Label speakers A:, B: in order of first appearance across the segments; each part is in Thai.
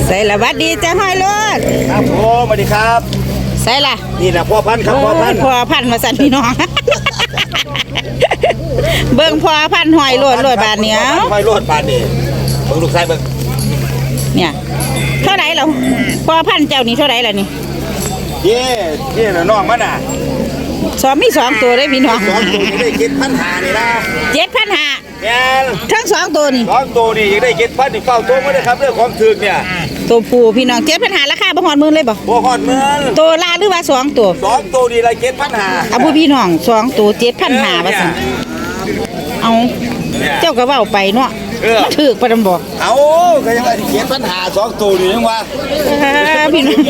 A: ใส่ละวัดดีจ้าห้อยรถ
B: ครับผมสวัสดีครับ
A: ใส่ละ
B: นี่แหละพ่อพันธุ์ครับพ่อพันธุ์
A: มาสั่นพี่น้อง เบิ่งพ่อพันธุ์ห้อยรถบาทเหนียว
B: ห้อยรถบาทนี่เบิ่งลูกชายเบิ่ง
A: เนี่ยเท่าไหร่แล้วพ่อพันธุ์เจ้านี่เท่าไหร่แล้วนี่
B: นี่น่ะน้องมันน่ะ
A: มีสองตัวได้พี่น้อง
B: 2ตัวนี่ได้7,500นี่นะ
A: 7,500
B: แม่น
A: ทั้ง2ตัวนี่
B: 2ตัวนี่ยังได้7,000นี่เฝ้าตัวมาได้ครับเรื่องของถึกเนี่ย
A: ตัวผู้พี่น้อง7,500ราคาบ่ฮอดหมื่นเลยบ่
B: ฮอดหมื่น
A: ตัวละหรือว่า2ตัว
B: 2ตัวนี่ละ7,500
A: ผู้พี่น้อง2ตัว7,500ว่าซั่นเอาเจ้าก็เว้าไปเนาะมันถูกปานนั้นบ่
B: เอาก็ยังว่า7,500 2ตัวนี่ยังว่า
A: พี่น้อง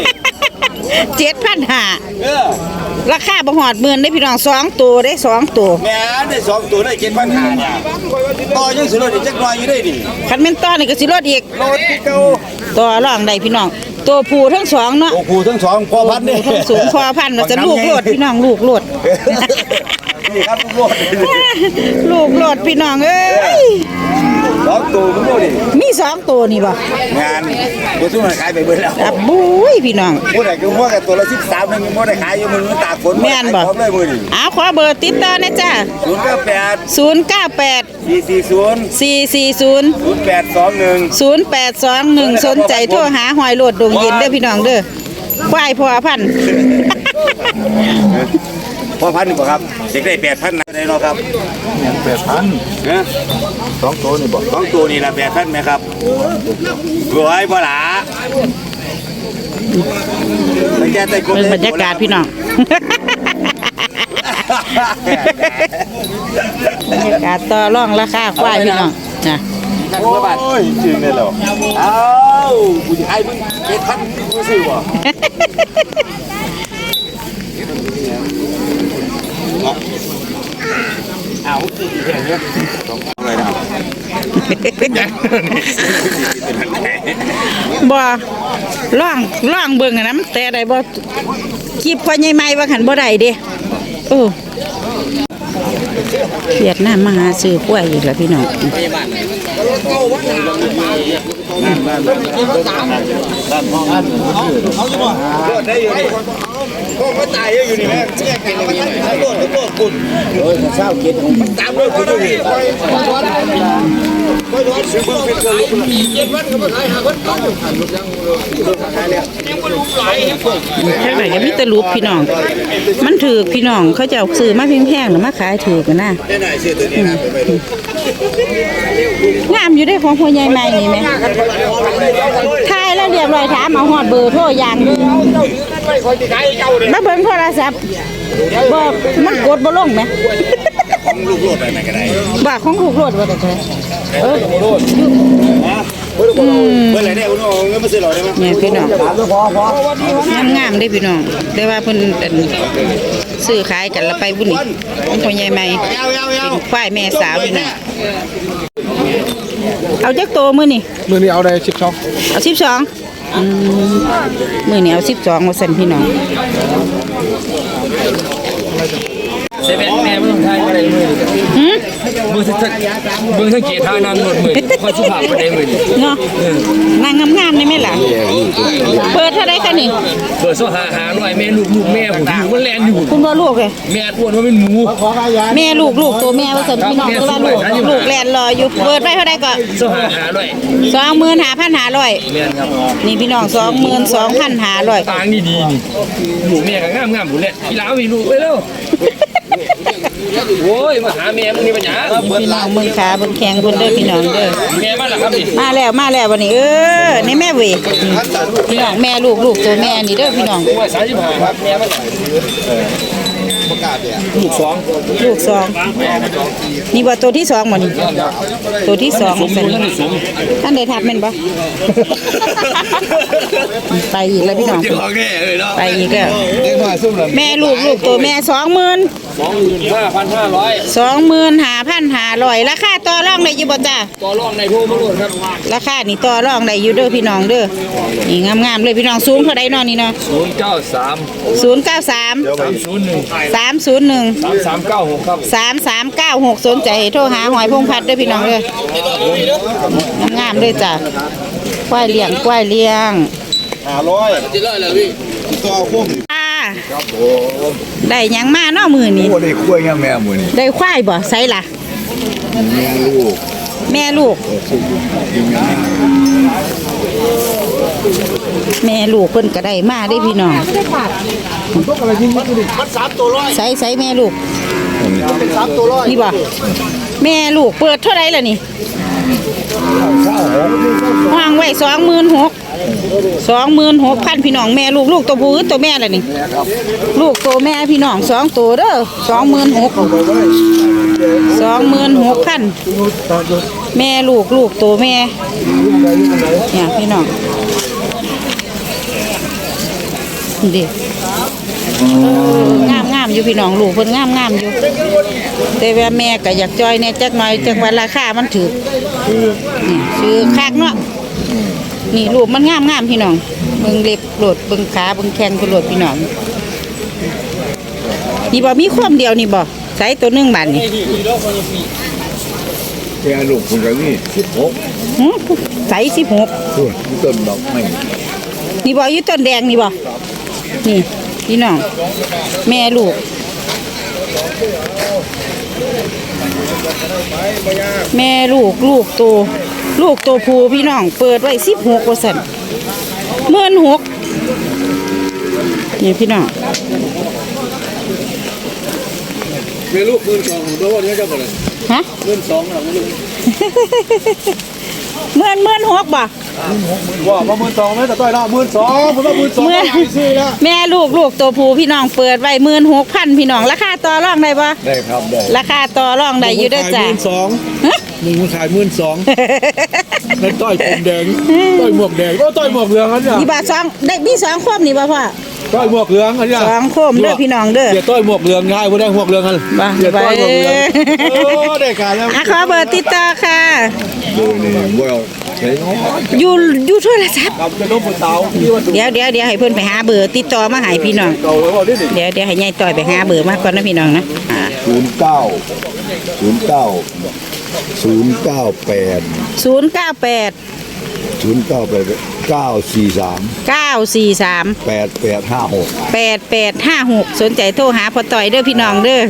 A: 7,500ราคาบ่ฮอดหมื่นได้พี่น้อง2ตัวได้2ตัว
B: แม่ได้2ตัวได้7,500เนี่ยต่อยังสิลดอีกจักหน่อยอยู่ได้ดิ
A: คันแม่นต่อนี่ก็สิลดอีก
B: ลดอีกเก่า
A: ต่อรองได้พี่น้องตัวผู้ทั้ง2เนาะ
B: ตัวผู้ทั้ง2พ่อพันธุ์นี่
A: ทั้งสูงพ่อพันธุ์ว่าจะลูกโลดพี่น้องลูกโลด
B: นี่ครับ
A: ลูกโลดพี่น้องเอ้ย
B: 2ตัวมันบ่ดิ
A: มี2ตัวนี่บ่
B: งานบ่สู้มันขายไปเบิดแล้ว
A: ครับบุ้ยพี่น้อง
B: ผู้ใดก็ว่ากันตัวละ13นึงบ่ได้ขายอยู่มันตากฝน
A: แม่นบ่
B: เลยมื้อนี้
A: ขอเบอร์ติดต่อนะจ้ะ098
B: 440
A: 0821 สนใจโทรหาหอยโลดดงเย็นเด้อพี่น้องเด้อควายพ่อพันธุ์
B: พ่อพันธุ์บ่ครับเด็กได้ 8,000 นะได้เนาะครับ
C: 8,000
B: ฮะ
C: 2ตัวนี่บ่
B: 2ตัวนี่ละ 8,000 มั้ยครับรวยบ่ล่ะบรร
A: ยากาศพี่น้องบรรยากาศต่อรองราคาควายพี่น้องนะ
B: โอ้ยจริงเลยเหรอเอ้ากูจะให้มึง7,000กูซื้อบ่เอาสิแค่นี้อะไรนะ
A: บ่ล่องเบิ่งนะมันแต่ได้บ่คีบพอใหญ่ใหม่ว่าหันบ่ได้เด้เวียดนามมาหาซื้อกล้วยอีกแล้วพี่น้อง
B: ได้อยู่นี่ก็ตายอยู่นี่แม่แยกกันเลยนี่โลดคุณเช้ากินตามด้วยคุณอยู่นี่ซื้อเบิ่งเป็นเกินลูก7วันก็มาขาย5วันก็ยังขายแล้ว
A: แค่ไหนก็มีแต่รูปพี่น้องมันถือพี่น้องเขาจะเอาซื้อมาแพงๆหรือมาขายถือกันนะ
B: ได้ไหนซื้อตัวนี้นะไปดู
A: งามอยู่ได้ของพ่อใหญ่ใหม่นี่ไหมทายแล้วเรียบร้อยถามเอาฮอดเบอร์โทรอย่างมาเบิ่งโทรศัพท์บอกมันกดบ่ลงไหม
B: ของลูกโลดอะไรก็ได้
A: บ่าของลูกโลดว่าแต่เ
B: มื่อไรได้คุณเอาเงินมาซื้อหรอได้ไหม
A: เนี่ยพี่น้องงามได้พี่น้องแต่ว่าเพิ่นซื้อขายกันแล้วไปบุญนี่ของพ่อใหญ่ใหม่เป็นควายแม่สาวนี่นะเอาจักโตมื้อนี่
C: เอาได้12
A: เอา12มื้อนี้เอา12ว่าซั่นพี่น้อง
D: เซเว่นแม่ไม่ต้องทายอะไรมือมือสังเกตท่านั่งรถมือพอสุภาพประเดี๋ยวมือ
A: เนาะนางงามๆได้ไหมล่ะเปิดเท่าไรคะนี่
D: เปิดโซ่หาหน่อยแม่ลูกแม่ผมอยู่มันแลนอยู่
A: คุณว่าลูกเลย
D: แม่อ้วนว่าเป็นหมู
A: แม่ลูกตัวแม่ว่าสนพี่น้องว่าลูกแลนรออยู่เปิดไปเท่าไรก็
D: โซ่หาหน่อย
A: 25,500นี่พี่น้อง22,500
D: ต่างนี่ดีนี่ลูกแม่ก็งามๆหมดเลยพี่ล้ามีลูกไว้แล้วโอ้ยมาหาแม่มึงนี่ปัญญา
A: พี่น้องมึงขาบนแข้งบนเด้อพี่น้องเด้อ
D: แม่มาแล้วครับนี่
A: มาแล้ววันนี้นี่แม่เวพี่น้องแม่ลูกตัวแม่นี่เด้อพี่น้อง
D: 35ครับแม่มาลูก
A: 2นี่ว่าตัวที่2บ่นี่ตัวที่2เป็นท่านได้ทับแม่นบ่ไปอีกแล้วพี่น้องไปอีกแล้วแม่ลูกตัวแม่25,500ราคาต่อรองได้อยู่บ่จ้า
D: ต่อรองในโทรมาโลดครับ
A: ราคานี่ต่อรองได้อยู่เด้อพี่น้องเด้อนี่งามๆเลยพี่น้องสูงเท่าใดเนาะนี่เนาะ093
D: 301 ครับ
A: 3396สนใจโทรหาหอยพงพัดเด้อพี่น้องเด้องามๆเลยเลยจ้ะควายเลี้ยง
B: 500จะเลยพี่ตัวคุ้ม
A: ได้หยังมาเนาะมือนี้
C: โอ้ได้คุ้ยยังแม่มื้อนี้
A: ได้ควายบ่ใส่ล่ะ
C: แม่ลูก
A: แม่ลูกแม่ลูกเพิ่นก็ได้มาได้พี่น้อง
B: มัน3ตัว100
A: ใส่แม่ลูก
B: 3ตัว100
A: นี่บ่แม่ลูกเปิดเท่าไหร่ล่ะนี่วางไว้26,000พี่น้องแม่ลูกตัวผู้ตัวแม่ล่ะนี่ลูกตัวแม่พี่น้อง2ตัวเด้อ26,000แม่ลูกตัวแม่เนี่ยพี่น้องดิงามอยู่พี่น้องลูกเพิ่นงามอยู่แต่ว่าแม่ก็อยากจอยเนี่ยจักหน่อยจังว่าราคามันถูกนี่ซื้อคักเนาะนี่ลูกมันงามพี่น้องเบิ่งเล็บโลดเบิ่งขาเบิ่งแข้งโลดพี่น้องนี่บ่มีความเดียวนี่บ่ใส่ตัวนึงบาทนี่
C: แม่ลูกคนก็นี่16
A: ใส่16
C: ส่วนต้นดอกไม้
A: นี่บ่อยู่ต้นแดงนี่บ่นี่พี่น้องแม่ลูกแม่ลูกตัวผู้พี่น้องเปิดไว้16ว่าซั่น16,000นี่พี่น้อง
D: เมียลูก12,000ของตัวนี้เจ้าบ่เลย
A: ฮะ
D: 12,000หรอลูก
A: 16,000บ่
B: ว่าบ่12,000แม่แต่ต้อยละ12,000ผมว่า12,000ซื้อแล้ว
A: แม่ลูกตัวผู้พี่น้องเปิดไว้16,000พี่น้องราคาต่อรองได้บ่
C: ได้ครับได้
A: ราคาต่อรองได้อยู่เด้อจ้ะ
D: 12,000มึงขาย12,000แล้วต้อยผมแดงต้อยหมวกแดงต้อยหมวกเหลืองอันเนี่ย
A: นี่บาท2ได้มี2คมนี่บ่พ่อ
D: ต้อยหมวกเหลืองอันเนี่ย
A: 2คมเด้อพี่น้องเด้อ
D: เดี๋ยวต้อยหมวกเหลืองง่ายบ่ได้หมวกเหลืองกัน
A: บ่
D: เดี๋ยว
A: ไป
D: ต้อยหมวกเหลืองโอ้ได้การแล้ว
A: ขอเบอร์ติดต่อค่ะ
C: ดูนี่บ่เอาใส่น้อย
A: อยู่โทรศัพท์
B: กับจะลบเตาที่ว่า
A: เดี๋ยวให้เพิ่นไปหาเบอร์ติดต่อมาให้พี่น้อง
B: เตาแล้วดิ
A: เดี๋ยวให้ยายต่อยไปหาเบอร์มาก่อนนะพี่น้องนะ
C: 098
A: 943 8856สนใจโทรหาพ่อต่อยเด้อพี่น้องเด้อ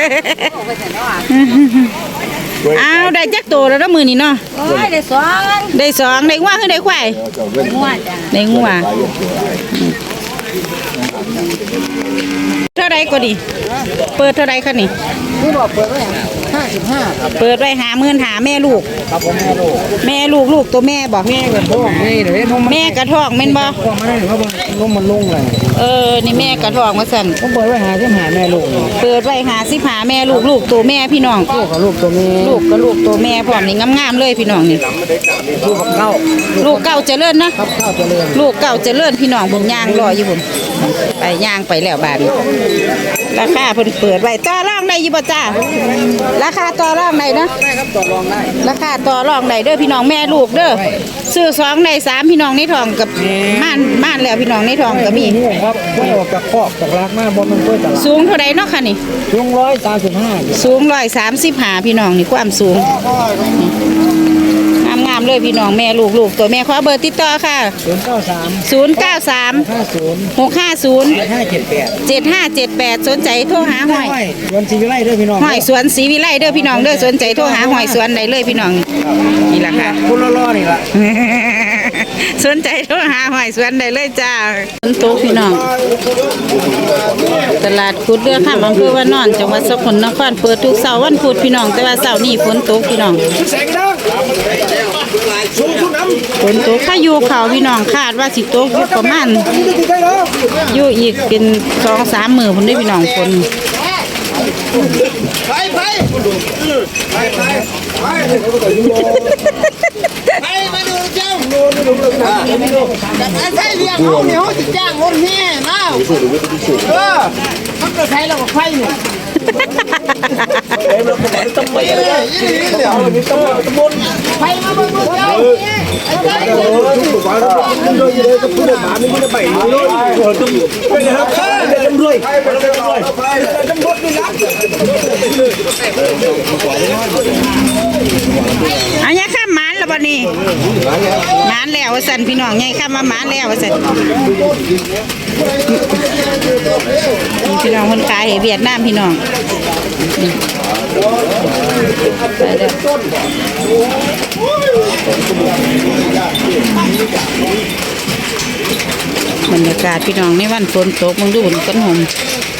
A: อ้าวได้จักโตแล้วเนาะมื้อนี้เนาะได้สองได้งัวคือได้ควายได้งัวเท่าไรก็ดีเปิดเท่าไรคะนี่
B: นี่บอกเปิดไว้55
A: เปิดไว้55,000แม่ลูก
B: ครับผมแม่ลูก
A: ลูกตัวแม่บอก
B: แม่กับพ่อนี่เดี๋ยวน้อง
A: แม่กระท้องแม่นบ่
B: พ่อมาได้หรือว่าน้องมันลงเลย
A: นี่แม่กระท้องว่าซั่น
B: ผมเปิดไว้55แม่ลูก
A: เปิดไว้55แม่ลูกตัวแม่พี่น้อง
B: ลูกกับลูกตัวแม่
A: ลูกตัวแม่พร้อมนี่งามๆเลยพี่น้องนี่
B: ลูกกับเข้า
A: ลูกเก่าเจริญนะครับ
B: ข้าวเจริญ
A: ลูกเก่าเจริญพี่น้องบุญย่างรออยู่พุ่นไปย่างไปแล้วบาดนี้ราคาเพิ่นเปิดไว้ต่อรองได้อยู่บ่จ้าราคาต่อรองได้นะ
B: ได้ครับต่อรองได้
A: ราคาต่อรองได้เด้อพี่น้องแม่ลูกเด้อซื้อ2ได้3พี่น้องในท้องกับม่านแล้วพี่น้องในท้องก็มี
B: นี่ครับไม่ออกจากคอกจากรักมากบนมันเพื่อตลาด
A: สูงเท่าใดเนาะค่ะนี่
B: ช่วง135
A: สูง135พี่น้องนี่ความสูงงามๆเลยพี่น้องแม่ลูกตัวแม่ขอเบอร์ติดต่อค่ะ093
B: 50
A: 650 7578สนใจโทรหาหอย
B: วันชีวิไลเด้อพี่น้อง
A: หอยสวนศรีวิไลเด้อพี่น้องเด้อสนใจโทรหาหอยสวนได้เลยพี่น้องนี่ล่ะค่ะ
B: คุณล่อๆนี่ล่ะ
A: สนใจโทรหาหอยสวนได้เลยจ้าฝนตกพี่น้องตลาดขุดเรือข้ามอำเภอวานอนจังหวัดสกลนครเปิดทุกเสาร์วันพุธพี่น้องแต่ว่าเสาร์นี้ฝนตกพี่น้องฝนตกพายุเขาพี่น้องคาดว่าสิตกอยู่ประมาณอยู่อีกเป็น 2-3 มื้อพุ่นเด้อพี่น้องฝน
E: ไปมาดูเจ้าจากอาศัยเรียกเขาเนี่ยเขาจะจ้างรถแห่มามันก็ใช้เราก็ไฟเนี่ย
B: ต้องไปเลยเดี๋ยวมีตำรวจไปมาเบิ่งเจ้าทุกวันต้องโดนเลยต้องพูดหมาไม่พูดไปเลยต้องเป็นครับต้องรวยต้องบดนี่นะ
A: เอาเนี่ยข้ามหมานแล้วบ่นี่หมานแล้วว่าสั่นพี่น้องไงข้ามมาหมานแล้วว่าสั่นพี่น้องคนขายให้เวียดนามพี่น้องไปเด้อบรรยากาศพี่น้องในวันฝนตกมึงดูต้นหอม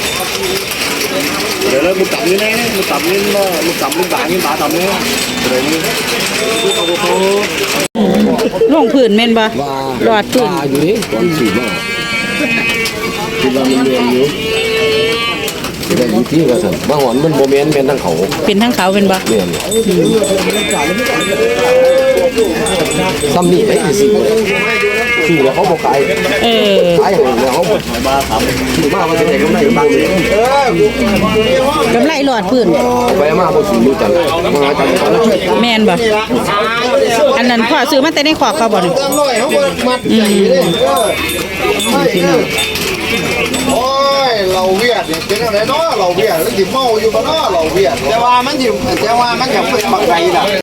B: เดี๋ยวเรามึงตับนี่แน่มึงตับนี่มึงตับนี่บ่านี่บ่าตับนี่เดี๋ยวนี้กูเอาโต
A: ลงพื้นแม่นบ่หลอดพื้น
C: อยู่นี่ก่อนสีมากคือเราเรียนอยู่แต่อยู่ที่กระสันมาหอนมันโมเมนต์เป็นทั้งเขา
A: เป็นทั้งเขาเป็นบ่
C: เนี่ยซ้ำนี่ไอ้สิคือแล้วเขาบอกขาย ขายอย่างเดียวเขามาทำถือมาว่าจะไหนก็ไม่บางเลย
A: กำไรหลอดพื้น
C: ไปมาพอสูงดูจังมาจังเขาแล้ว
A: แม่นบ่อันนั้นพ่อซื้อมาแต่ในขอกเขาบ่นี่
B: ตั้งหน่อยเขามัดใหญ่เลยพี่น้องโอ้ยเราเวียดเนี่ยเป็นอะไรเนาะเราเวียดแล้วดิเมาอยู่บ้านเนาะเราเวียดแต่ว่ามันอยู่แต่ว่ามันอย่างเป็นบางไรล่ะ